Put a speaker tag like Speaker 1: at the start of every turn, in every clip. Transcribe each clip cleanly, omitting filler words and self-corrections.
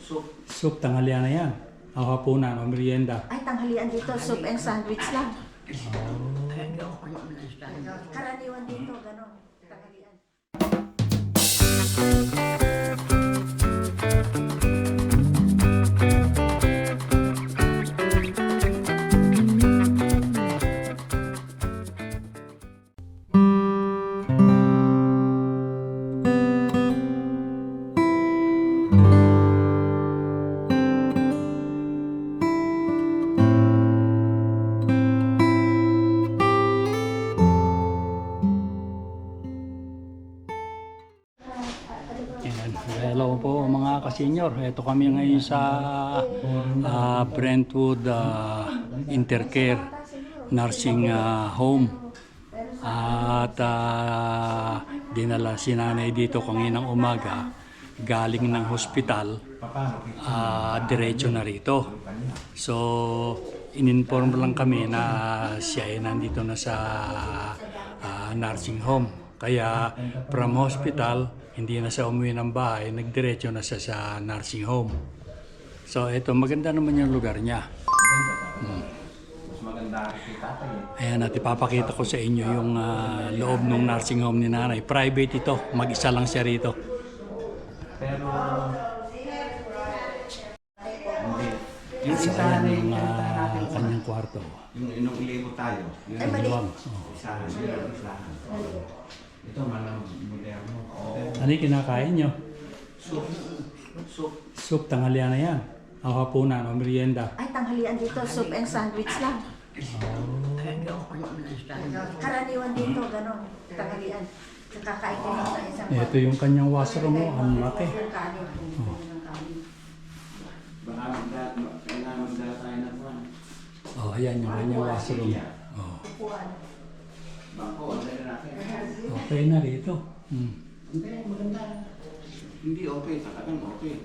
Speaker 1: Soup, tanghalian na yan. O hapunan o merienda.
Speaker 2: Ay, tanghalian dito, soup and sandwich lang.
Speaker 1: Oh.
Speaker 2: Karaniwan dito, gano'n. Tanghalian.
Speaker 1: Yan. Hello po mga ka-senior. Ito kami ngayon sa Brentwood Intercare Nursing Home. At dinala si nanay dito kaninang umaga galing ng hospital, diretso na rito. So in-inform lang kami na siya ay nandito na sa nursing home. Kaya from hospital, hindi na siya umuwi ng bahay, nagdiretso na siya sa nursing home. So ito, maganda naman yung lugar niya. Ayan, at ipapakita ko sa inyo yung loob ng nursing home ni nanay. Private ito, mag-isa lang siya rito.
Speaker 3: Pero
Speaker 1: Yung isa yung kanyang kwarto.
Speaker 3: yung inong ilebo tayo, yun
Speaker 2: Ay, mali.
Speaker 3: isahan, yun, isahan. Ito malang moderno.
Speaker 1: Ano yung kinakain nyo?
Speaker 3: Soup.
Speaker 1: Soup, tanghalian na yan. O hapunan o merienda.
Speaker 2: Ay, tanghalian dito, soup and sandwich lang. Karaniwan dito, gano'n. Tanghalian. Kakain ko lang sa isang
Speaker 1: Ito yung kanyang washroom mo, ang laki.
Speaker 2: kanin.
Speaker 3: Baka kailangan magdala tayo ng pan.
Speaker 1: Oh, ayan yung kanyang washroom. Oh.
Speaker 3: Bako, wala na natin.
Speaker 1: Okay na rito.
Speaker 3: Hindi, maganda. Hindi okay, talagang okay.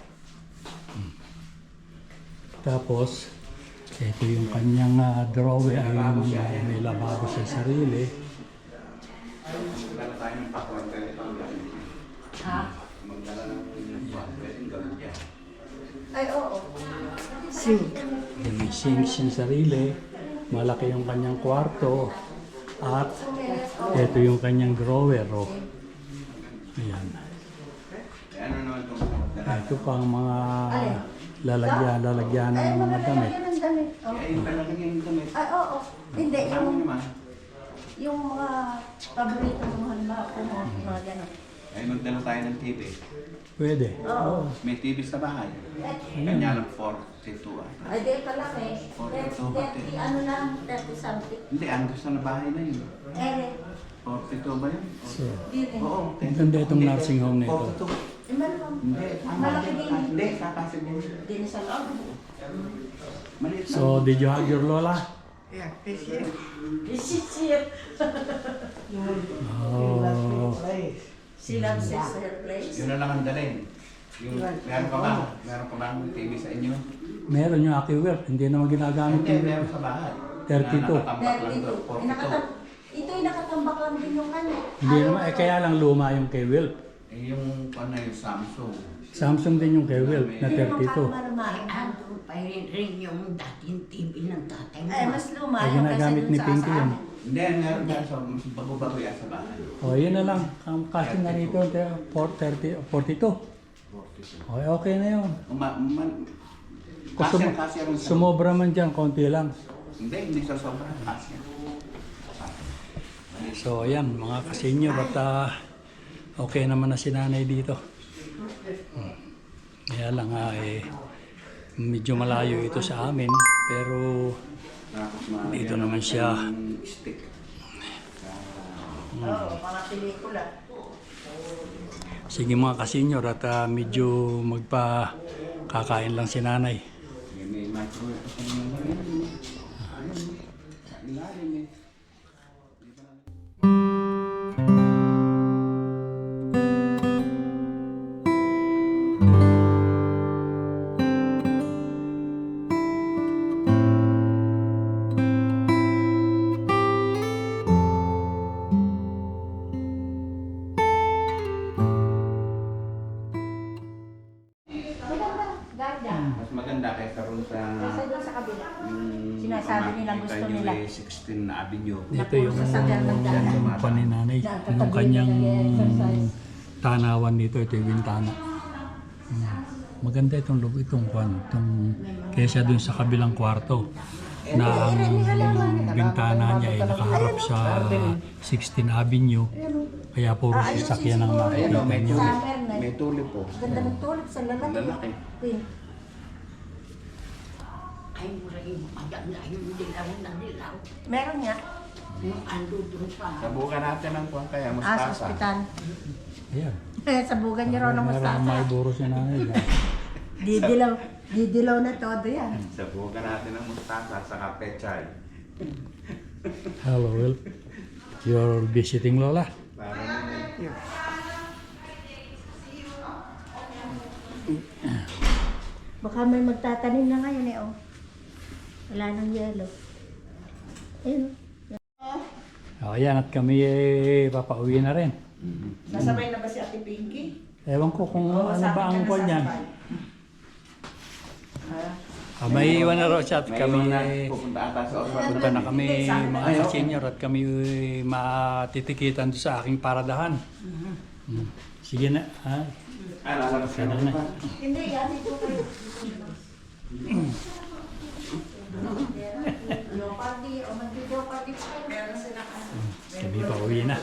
Speaker 1: Tapos, ito yung kanyang drawer. Ayun, may lababo sa sarili.
Speaker 3: Magdala tayo ng pakwan, pwede pang gawin.
Speaker 2: Ha?
Speaker 3: Magdala ng pakwan, pwede gawin dyan.
Speaker 2: Ay, oo. Sink.
Speaker 1: May sink sa sarili. Malaki yung kanyang kwarto. At ito yung kanyang drawer. Oh. Ayan.
Speaker 3: Ano naman itong
Speaker 1: Ito pang mga lalagyan ng mga damit.
Speaker 2: Ay, ng damit. Oh.
Speaker 3: Ay, yung talagang yung damit.
Speaker 2: Ay, oo. Hindi,
Speaker 3: Ano naman?
Speaker 2: yung mga paborito mo, halimbawa ko mo, mga gano'n.
Speaker 3: Ay, magdala tayo ng TV.
Speaker 1: Pwede.
Speaker 2: Oo.
Speaker 3: May TV sa bahay. Kanya lang 42 ah.
Speaker 2: Ay, di pa lang eh. 30, ano lang, 30 something.
Speaker 3: Hindi, ano gusto na bahay na yun.
Speaker 2: Eh,
Speaker 3: 42 ba yun?
Speaker 1: So,
Speaker 2: di rin.
Speaker 3: Oo.
Speaker 1: ang ganda itong nursing home na ito.
Speaker 3: 42.
Speaker 2: Eh, malamang.
Speaker 3: Hindi, tama.
Speaker 2: Malaki din.
Speaker 3: Hindi, kakasig din.
Speaker 2: Di na sa loob.
Speaker 3: Maliit lang.
Speaker 1: So, did you hug your lola?
Speaker 3: Yeah, this year.
Speaker 2: This is here.
Speaker 1: Oh.
Speaker 2: She loves her place.
Speaker 3: Yun na lang ang dalhin. Yung, meron ka ba? Meron ka ba ng TV sa inyo?
Speaker 1: Meron yung AccuWealth. Hindi naman ginagamit
Speaker 3: Hindi,
Speaker 1: yung
Speaker 3: meron sa bahay.
Speaker 1: 32.
Speaker 3: Na nakatambak lang doon, 42.
Speaker 2: Ito yung nakatambak lang din yung kanya.
Speaker 1: Hindi naman, kaya lang luma yung kay Wilp.
Speaker 3: Eh, yung ano yung Samsung.
Speaker 1: Samsung din yung kay Wilp na
Speaker 2: Hindi naman
Speaker 1: 32.
Speaker 2: kalumaan.
Speaker 4: Andun pa rin yung dating TV ng tatay mo.
Speaker 2: Ay, mas luma
Speaker 1: Ay,
Speaker 2: yung kasi
Speaker 1: ginagamit
Speaker 2: dun
Speaker 1: ni
Speaker 2: sa
Speaker 1: Pinky yun.
Speaker 2: amin.
Speaker 3: Hindi, meron ka sa bago-bago yan sa bahay.
Speaker 1: O, yun na lang. Ang kasi na rito, 42.
Speaker 3: 42.
Speaker 1: Okay, okay na yun. Kung
Speaker 3: Kasya rin sa...
Speaker 1: sumobra man dyan, konti lang.
Speaker 3: Hindi sa sobrang kasya.
Speaker 1: So, ayan, mga kasenyor at okay naman na si nanay dito. Kaya lang medyo malayo ito sa amin, pero dito naman siya.
Speaker 3: Stick.
Speaker 2: Oo, mga pelikula.
Speaker 1: Sige mga kasenyor at medyo magpa-kakain lang si nanay.
Speaker 3: May microwave pa sa mga ayun. Ilalim eh.
Speaker 2: Ganda.
Speaker 3: Mas maganda kaysa ron sa
Speaker 2: Kasi doon sa kabila.
Speaker 3: yung
Speaker 2: Sinasabi nila
Speaker 3: makikita
Speaker 2: gusto
Speaker 3: nyo
Speaker 2: nila.
Speaker 3: 16 Avenue.
Speaker 1: Dito yung
Speaker 2: Sasakyan ng daan.
Speaker 1: paninanay. Yung kanyang tanawan dito. Ito yung bintana. Maganda itong loob, itong kesa dun sa kabilang kwarto na ang bintana niya ay nakaharap sa 16 Avenue. Kaya puro sasakyan ang
Speaker 3: Ayan o,
Speaker 1: makikita nyo.
Speaker 3: may tulip po.
Speaker 2: Ganda ng tulip sa lalaki.
Speaker 3: Lalaki.
Speaker 2: Queen.
Speaker 4: Ay, mura yung maganda yung dilaw na dilaw.
Speaker 2: Meron nga.
Speaker 4: Yung ando doon pa.
Speaker 3: Sabukan natin ng kung kaya
Speaker 2: Sa
Speaker 3: mustasa.
Speaker 2: ospital.
Speaker 1: Ayan.
Speaker 2: Sabugan niyo raw ng
Speaker 1: Meron
Speaker 2: mustasa.
Speaker 1: may buro si nanay.
Speaker 2: Didilaw na todo yan.
Speaker 3: Sabukan natin ng mustasa sa kapechay.
Speaker 1: Hello, Will. You're visiting Lola?
Speaker 3: Para naman.
Speaker 2: Baka may magtatanim na ngayon eh, oh. Wala nang yelo. Ayun,
Speaker 1: O, ayan. At kami papauwi na rin.
Speaker 5: Nasabay na ba si Ate Pinky?
Speaker 1: Ewan ko kung ano ba ang call niyan. May iwan na raw siya at
Speaker 3: May
Speaker 1: kami
Speaker 3: iwan na, pupunta ata sa ospital.
Speaker 1: punta na kami mga senior at kami matitikitan doon sa aking paradahan. Sige na. Ha?
Speaker 3: Lalabas ka na
Speaker 1: Sana na.
Speaker 3: ba?
Speaker 2: Hindi, gamit ko kayo. Jeopardy, o mag-jeopardy pa kayo. Meron sila kasi.
Speaker 1: Kami pauwi na.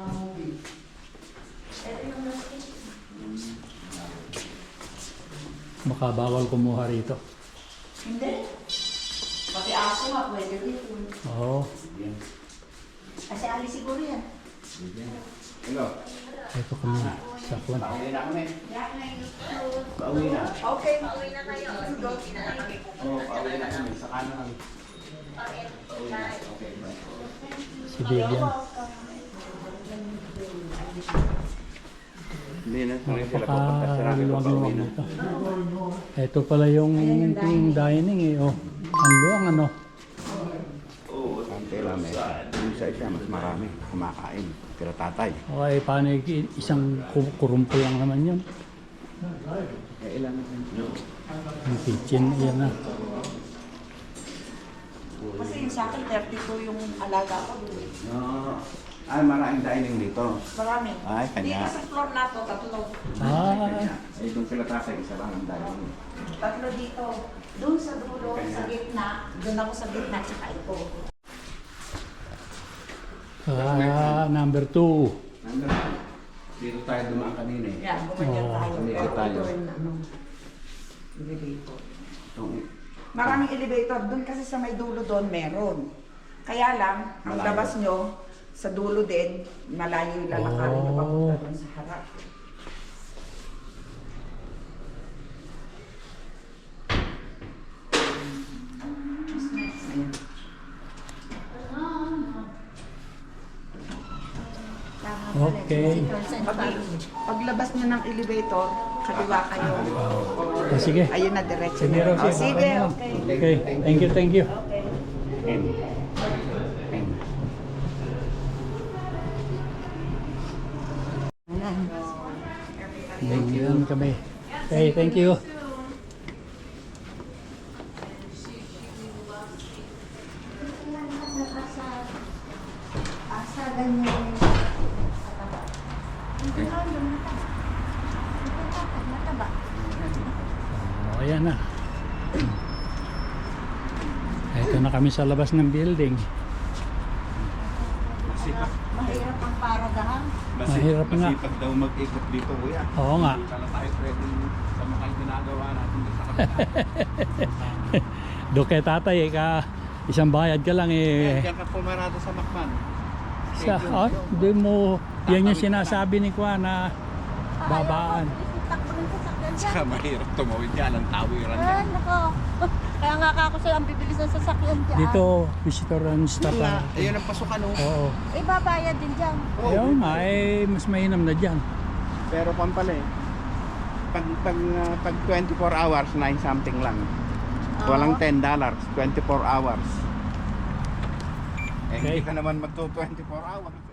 Speaker 1: Baka bawal kumuha rito.
Speaker 5: Hindi. Pati aso nga, pwede rin.
Speaker 1: Oo.
Speaker 2: Kasi alis siguro yan.
Speaker 3: Hello.
Speaker 1: Ito kami. Sakwan.
Speaker 3: Pauwi na kami. Pauwi na.
Speaker 5: Okay, mauwi na kayo. Go, na kami.
Speaker 3: Oo, pauwi na kami. Sa kanan. Pauwi na. Okay, bye.
Speaker 1: Si Vivian.
Speaker 3: Hindi na sila pupunta sa rami. Pauwi
Speaker 1: Napaka-luwag-luwag
Speaker 3: na.
Speaker 1: dito. Ito pala yung dining eh. Oh. Ang luwang ano.
Speaker 3: Oo, ang tela may. Yung sa isa, mas marami. Kumakain. Tira tatay.
Speaker 1: Okay, paano isang kurumpol lang naman yun.
Speaker 3: Ilan na yun?
Speaker 1: Yung kitchen, yan na.
Speaker 5: Kasi yung sa akin, 32 yung alaga ko.
Speaker 3: Ay, maraming dining dito.
Speaker 5: Marami.
Speaker 3: Ay, kanya.
Speaker 5: Dito sa floor na to, tatlo.
Speaker 3: Kanya. Eh, doon sila tatay, isa lang ang dining.
Speaker 5: Tatlo dito. Doon sa dulo, sa gitna. Doon ako sa gitna, tsaka ito.
Speaker 1: Number 2.
Speaker 3: Nandun. Dito tayo dumaan kanina eh.
Speaker 5: Yan, gumanyan tayo.
Speaker 3: Dito tayo.
Speaker 5: Ito rin, ano, elevator.
Speaker 3: Itong-
Speaker 5: Maraming elevator. Doon kasi sa may dulo doon, meron. Kaya lang, ang
Speaker 3: Malayo.
Speaker 5: labas nyo, sa dulo din, malayo yung lalakarin nyo papunta doon sa harap. Ayan.
Speaker 1: Okay.
Speaker 5: Paglabas nyo ng elevator, kaliwa kayo.
Speaker 1: Sige.
Speaker 5: Ayun na, diretso
Speaker 1: Sige,
Speaker 5: na.
Speaker 1: Rosie.
Speaker 5: Oh, sige,
Speaker 1: Okay na.
Speaker 5: okay.
Speaker 1: Okay. Thank you, thank you.
Speaker 3: N. N.
Speaker 1: Yan kami. Okay, thank you.
Speaker 2: Asa ganyan. Hindi lang yung mataba. Mataba.
Speaker 1: Oh, ayan na. Ito na kami sa labas ng building.
Speaker 2: Mahirap ang paradahan.
Speaker 1: Mahirap nga.
Speaker 3: Masipag daw mag-ikot dito, kuya.
Speaker 1: Oo nga.
Speaker 3: Hindi pala tayo pwede sa mga ginagawa natin dito sa kapitán.
Speaker 1: Do kay tatay, isang bayad ka lang eh.
Speaker 3: Diyan ka pumarado sa Macman.
Speaker 1: Di mo, yan yung sinasabi ni Kwa na babaan.
Speaker 2: Takbo ng sasakyan dyan.
Speaker 3: Saka mahirap tumawid yan, ang tawiran
Speaker 2: Ah,
Speaker 3: yan.
Speaker 2: nako. Kaya nga ako sa'yo ang bibilis ng sasakyan dyan.
Speaker 1: Dito, visitor and staff.
Speaker 3: Ayun ang pasukan oh.
Speaker 1: Oo.
Speaker 2: Eh, babayad din dyan.
Speaker 1: Ayaw nga, mas mainam na dyan.
Speaker 3: Pero kung pala eh, pag 24 hours, 9 something lang. Walang $10, 24 hours. Eh,
Speaker 1: Okay.
Speaker 3: hindi ka naman magto 24 hours.